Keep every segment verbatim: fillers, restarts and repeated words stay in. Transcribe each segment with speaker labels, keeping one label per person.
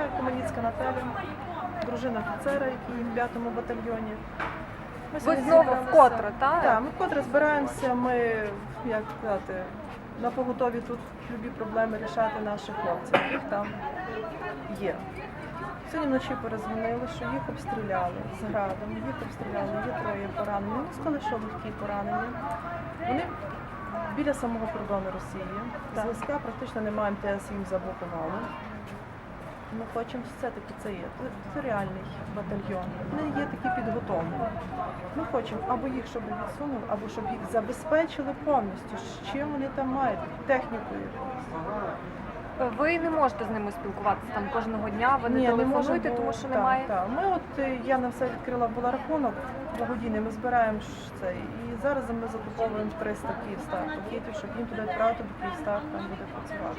Speaker 1: Я Команіцька Наталя, дружина офіцера, який в п'ятому батальйоні. Ми
Speaker 2: Ви
Speaker 1: сьогодні
Speaker 2: знову
Speaker 1: зібралися.
Speaker 2: вкотре, так?
Speaker 1: Так, ми вкотре збираємося, ми, як сказати, на поготові тут любі проблеми рішати наших хлопців, їх там є. Сьогодні вночі перезвонили, що їх обстріляли з градом, їх обстріляли, є троє поранені. Вони сказали, що легкі поранені. Вони біля самого кордону Росії. Зв'язка практично немає, ем те ес їм заблокували. Ми хочемо, все-таки це є територіальний батальйон. Вони є такі підготовлені. Ми хочемо або їх, щоб відсунули, або щоб їх забезпечили повністю. Чим вони там мають? Технікою якоюсь.
Speaker 2: Ви не можете з ними спілкуватися там кожного дня, ви не
Speaker 1: Ні,
Speaker 2: телефонуєте,
Speaker 1: можемо, бо-
Speaker 2: тому що
Speaker 1: так,
Speaker 2: немає.
Speaker 1: Так. Ми от е, я на все відкрила була рахунок благодійний, ми збираємо ж це. І зараз ми закуповуємо триста Київстар пакетів, щоб їм туди відправити, бо Київстар там буде працювати.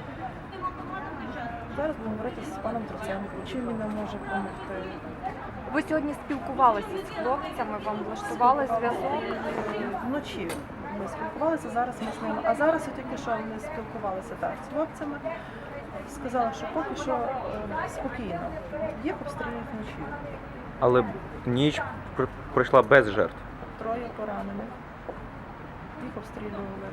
Speaker 1: Зараз будемо говорити з паном Троценком, чим він нам може допомогти.
Speaker 2: Ви сьогодні спілкувалися з хлопцями, вам влаштували зв'язок.
Speaker 1: Вночі ми спілкувалися, зараз ми з ними. А зараз от тільки що ми спілкувалися так, з хлопцями. Сказала, що поки що е, спокійно. Їх обстрілюють вночі.
Speaker 3: Але ніч пр- пройшла без жертв.
Speaker 1: Троє поранених. Їх обстрілювали.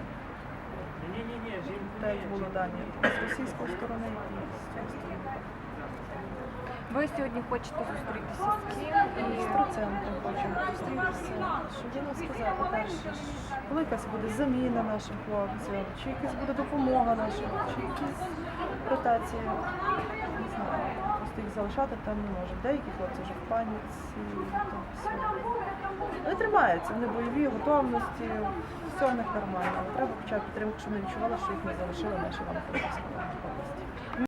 Speaker 1: Так як було дані з російської сторони і з цієї сторони.
Speaker 2: Ви сьогодні хочете зустрітися з ким?
Speaker 1: І з Троценком хочемо зустрітися, щоб він нам сказав, по-перше, ж, коли якась буде заміна нашим хлопцям, чи якась буде допомога нашим, чи якісь ротації. Не знаю, просто їх залишати там не може. Деякі хлопці вже в паніці, там все. Вони тримаються, вони бойові, готовності, все в них нормально. Але треба хоча б підтримку, щоб вони відчували, що їх не залишили наші Івано-Франківської області.